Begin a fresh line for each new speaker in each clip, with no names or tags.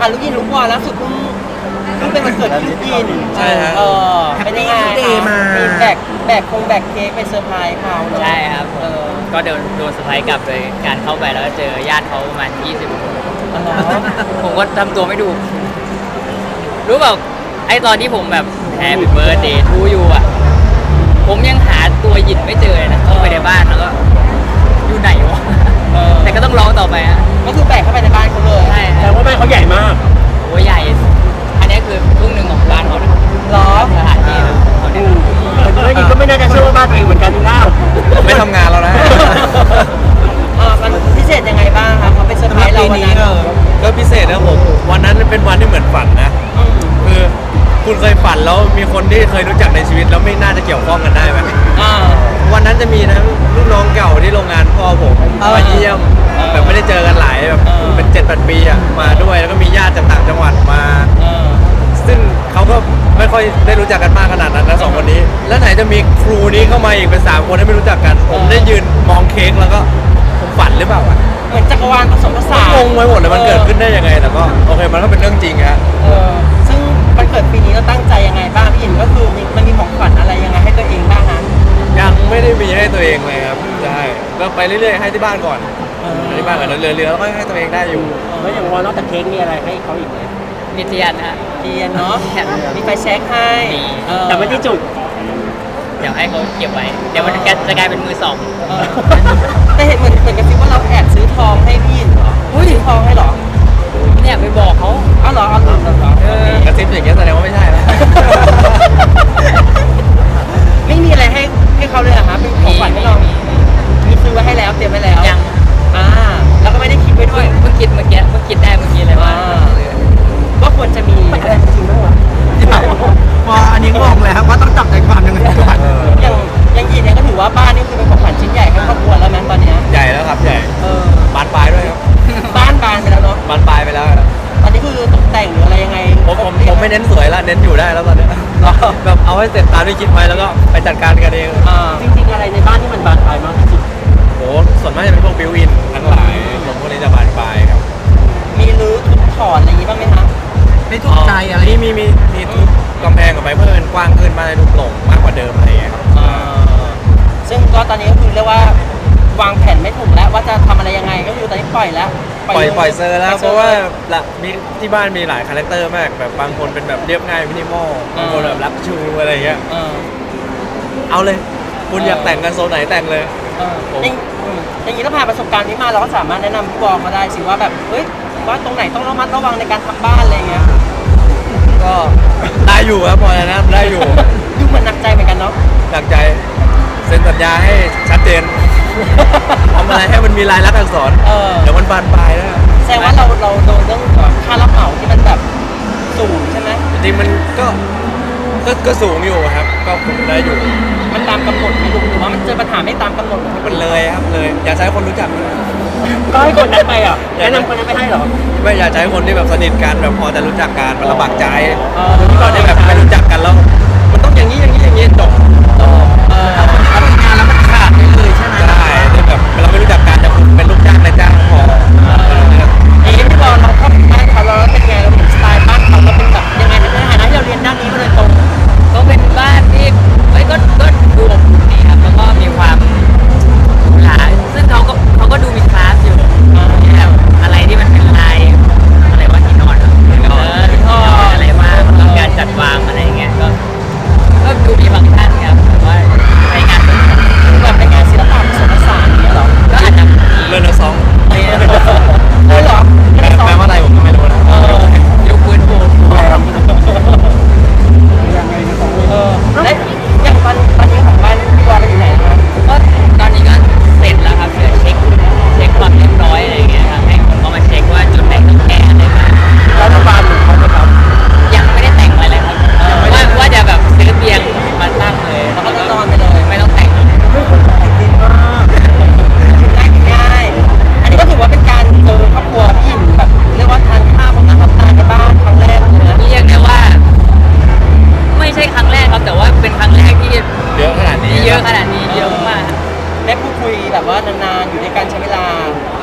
ลูกยินลูกวอลแล้วสุดเพิ่งเป็นวันเกิดลูกยิน
ใช่ฮะ
เป็นยังไงมีแบกเค้กไปเซอร์ไพรส์เขาเนอะ
ใช่ครับก็โดนเซอร์ไพรส์กลับโดยการเข้าไปแล้วก็เจอญาติเขาประมาณ20 คน
อ๋อ
ผมก็ทำตัวไม่ถูกรู้เปล่าไอตอนที่ผมแบบ Happy Birthday to you อ่ะผมยังหาตัวหยินไม่เจอเลยนะเข้าไปในบ้านแล้วก็อยู่ไหนวะแต่ก็ต้องร้องต่อไปฮะ
ก็คือแบกเข้าไปในบ้านเขาเลย
ใช่
แต่ว่าบ้านเขาใหญ่มาก
โอ้ใหญ่ อันนี้คือครึ่งหนึ่งของบ้านเขานะ
เหรอ
สถานที่เขาเนี่ย
แต่ไม่ยินก็ไม่น่าจะเชื่อว่าบ้านตัวเองเหมือนกันนะ
ไม่ทำงานแล้วนะ
มันพิเศษยังไงบ้างครับเขาไปเซอร์ไพรส์เราวันนั้น
ก็พิเศษนะผมวันนั้นเป็นวันที่เหมือนฝันนะคือคุณเคยฝันแล้วมีคนที่เคยรู้จักในชีวิตแล้วไม่น่าจะเกี่ยวข้องกันได้ไหม
อ่า
วันนั้นจะมีนะลูกน้องเก่าที่โรงงานพ่อผมมาเยี่ยมแบบไม่ได้เจอกันหลายแบบเป็น7-8 ปีอะมาด้วยแล้วก็มีญาติจากต่างจังหวัดมา ซึ่งเขาก็ไม่ค่อยได้รู้จักกันมากขนาดนั้นนะสองคนนี้แล้วไหนจะมีครูนี้เข้ามาอีกเป็น3 คนที่ไม่รู้จักกันผมได้ยืนมองเค้กแล้วก็ผมฝันหรือเปล่าอะ
เหมือนจักรวาลผสมผสาน
งงไปหมดเลยมันเกิดขึ้นได้ยังไงแต่ก็โอเคมันก็เป็นเรื่องจริงฮะ
ซึ่งวันเกิดปีนี้เราตั้งใจยังไงบ้างพี่หยินก็คือมันมีของขวัญอะไรยังไงให้ตัวเองบ้างฮะ
ยังไม่ได้มีให้ตัวเองเลยครับใช่ก็ไปเรื่อยๆให้ที่บ้านก่อนให้ที่บ้านก่อนเรือๆแล้วก็ให้ตัวเองได้อยู่
แล้วอย่างว่านอกจากเค้กมีอะไรให้เขาอีกไหม
มีเทียนนะฮะ
เทียนเนาะมีไฟแช็กให้
มี
แต่ไม่ได้จุด
เดี๋ยวให้เขาเก็บไว้ เดี๋ยวมันจะกลายเป็นมือสอง
แต่เห็นเหมือนกันซิว่าเราแอบซื้อทองให้พี่หยินเหรอซื้อทองให้เหรอ
เนี่ยไปบอกเขา
เอาเหรอเอาเหรอ
กระซิบอย่างเงี้ยแสดงว่าไม่ใช่แล้ว
ไม่มีอะไรให้เขาเลยเหรอคะเป็นของขวัญให้เรามีซื้อไว้ให้แล้วเตรียมไว้แล้ว
ยัง
แล้วก็ไม่ได้คิดไว้ด้วย
เพิ่งคิดเมื่อกี้ได้เมื่อกี้เลยว่า
ว่าควรจะมี
อะไรจริงๆบ้างวะ
พออันนี้งงแล้วว่าต้องจับใจความยังไงก่อน
อย่างหยินเนี่ยก็ถือว่าบ้านนี่คือเป็นของขวัญชิ้นใหญ่ให้ครอบครัวแล้วมั้งตอนเนี้ย
ใหญ่แล้วครับใหญ่บานปลายด้วยครับ
บ้านบานไปแล้วเนาะ
บานปลายไปแล้ว
ตอนนี้คือตกแต่งหรืออะไรยังไง
ผมไม่เน้นสวยละเน้นอยู่ได้แล้วตอนเนี้ยแบบเอาให้เสร็จตามที่คิดไว้แล้วก็ไปจัดการกันเอง
จริงๆอะไรในบ้านที่มันบานปลายมากที่สุด
โหส่วนมากจะเป็นพวกบิวอินทั้งหลายผมพวกนี้จะบานปลายครับ
มีรื้อทุบถอนอะไรอย่างงี้บ้างไหมคะ
ไม่ถูกใจอะไร
นี่มีทุบกำแพงออกไปเพื่อเป็นกว้างขึ้นมากให้ลูกโปร่งมากกว่าเดิมอะไรอย่างเงี้ยครับ
ซึ่งก็ตอนนี้ก็คือเรียกว่าวางแผนไม่ถูกแล้วว่าจะทำอะไรยังไงก็คือตอนนี้ปล่อยแล้ว
ปล่อยเซอร์แล้วเพราะว่ามีที่บ้านมีหลายคาแรคเตอร์มากแบบบางคนเป็นแบบเรียบง่ายมินิมอลบางคนแบบรักชูอะไรอย่างเงี้ยเอาเลยคุณอยากแต่งกันโซนไหนแต่งเลย
อย่างนี้ถ้าผ่านประสบการณ์นี้มาเราก็สามารถแนะนำพี่บอลมาได้สิว่าแบบเฮ้ยว่าตรงไหนต้องระมัดระวังในการทำบ้านอะไรอย่างเงี้ย
ก็ได้อยู่ครับพอนะได้อยู่
ดูเหมือนหนักใจเหมือนกันเนาะ
หนักใจเซ็นสัญญาให้ชัดเจนทำอะไรให้มันมีลายลักษณ์อักษรเดี๋ยวมันบานปลายแล้ว
แสดงว่าเราโดนเรื่องค่ารับเหมาที่มันแบบสูงใช่ไหม
จริงๆมันก็สูงอยู่ครับก็คุมได้อยู่
มันตามกำหนดไหมลุงหรือว่ามันเจอปัญหาไม่ตามกำหนด
มันเลยครับเลยอย่าใช้คนรู้จักด้วย
ก็ให้คนนั้นไปอ่ะแนะนำคนนั้นไม่ให้เหรอ
ไม่อย่าใช้คนที่แบบสนิทกันแบบพอจะรู้จักกันมันลำบากใจ
ที่
ตอนที่แบบไม่รู้จักกันแล้วมันต้องอย่างนี้จบ
ทำงานแล้วมันขาดไปเลยใช่ไหม
ได้ที่แบบเราไม่รู้จักกันแต่คุณเป็นลูกจ้างนายจ้างพอ
พี่บอลเราเข้าบ้านเขาเราเป็นไงเราเห็นสไตล์บ้านเขาเราเป็นแบบยังไงในฐานะที่เราเรียนด้านนี้มาโดยตรง
ก็เป็นบ้านที่ก็ดูอบอุ่นดีครับแล้วก็มีความหลาซึ่งเขาก็ดูมีคลาสอยู่แบบอะไรที่มันเป็นลายอะไรว่าที่นอนที่นอนอะไรมากแล้วการจัดวางอะไรอย่างเงี้ยก็ดูมีฟังก์ชัน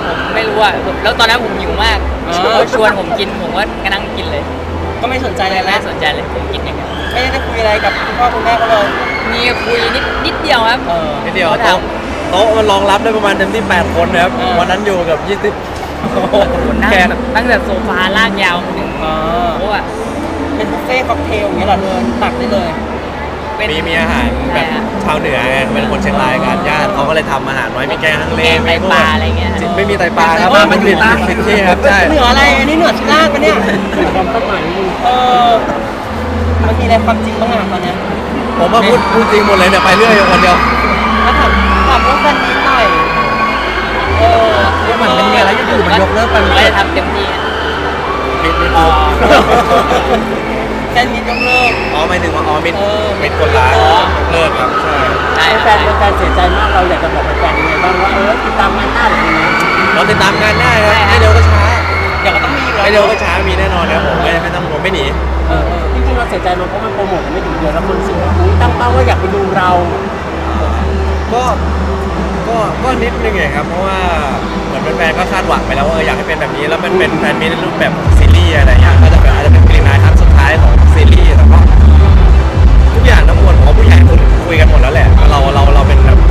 ผมไม่รู้อ่ะแล้วตอนนั้นผมหิวมากเขาชวนผมกินผมก็นั่งกินเลย
ก็ไม่สนใจเลย
ไม่
นะ
สนใจเลยผมกินอย่างเดียว
ไม่ได้คุยอะไรกับคุณพ่อคุณแม่เขาเลย
มีคุยนิดเดียวครับ
นิดเดียว
เขาถาม
โต๊ะมันรองรับได้ประมาณเต็มที่8คนนะครับ วันนั้นอยู่กับ20
นั่ง
แขก
แบบตั้งแต่โซฟาลากยาวมาถึง
อ๋อ
โต๊ะอ่ะ
เป็นบุฟเฟ่ต์ค็อกเทลอย่างเงี้ยเหรอเดินตักได้เลย
เป็น
มีอาหารแบบ
ใช่ฮะ
ชาวเหนือไงเป็นคนเชียงรายกันญาติเขาก็เลยทำอาหารไว้มีแกงฮังเล
แกงไตปลาอะไรเงี้ย
ไม่มีไตปลาครับ
โอ้ย
มันผิดที่ครับใช่
เหนืออะไรอันนี้เหนือชิล่างปะเนี่ย
ความคาดหมายนี่
เออมันมีอะไรความจริงบ้างอะตอนเนี้ย
ผมว่าพูดจริงหมดเลยเนี่ยไปเรื่อยอยู่คนเดียว
ถ้าถามเรื่องแฟนมิตหน่อยเออ
เหมือนมันมีอะไรอยู่ๆมันยกเลิกไป
ผมก็จะทำเต็มที่
มิด
แฟนมิตยกเลิก
อ๋อหมายถึงว่าอ๋อมิด
เออ
มิดคนร้ายเลิกครับใช่
ใช่
แฟนเสียใจมากเราอยากจะบอกแฟนยังไงบ้างว่าติดตามงานหน้าหรือยังไง
เราติดตามงานได้ครับไม่เร็วก็ช้า
เดี๋ยวก็ต้องมีอยู่
ไม่
แล้ว
เร็วก็ช้ามีแน่นอนครับผมไม่ต้องผมไม่หนี
จริงๆเราเสียใจมันเพราะมันโปรโมทไม่ถึงเดือนแล้วคนรู้สึกว่าอุ๊ยตั้งเป้าว่าอยากไปดูเรา
ก็นิดนึงไงครับเพราะว่าเหมือนแฟนๆก็คาดหวังไปแล้วว่าอยากให้เป็นแบบนี้แล้วมันเป็นแฟนมีในรูปแบบซีรีส์อะไรอย่างเงี้ยก็จะแบบอาจจะเป็นกรีนไลน์ครั้งสุดท้ายของซีรีส์แต่ก็ทุกอย่างทั้งหมดของผู้ใหญ่คุยกันหมดแล้วแหละเราเป็นแบบ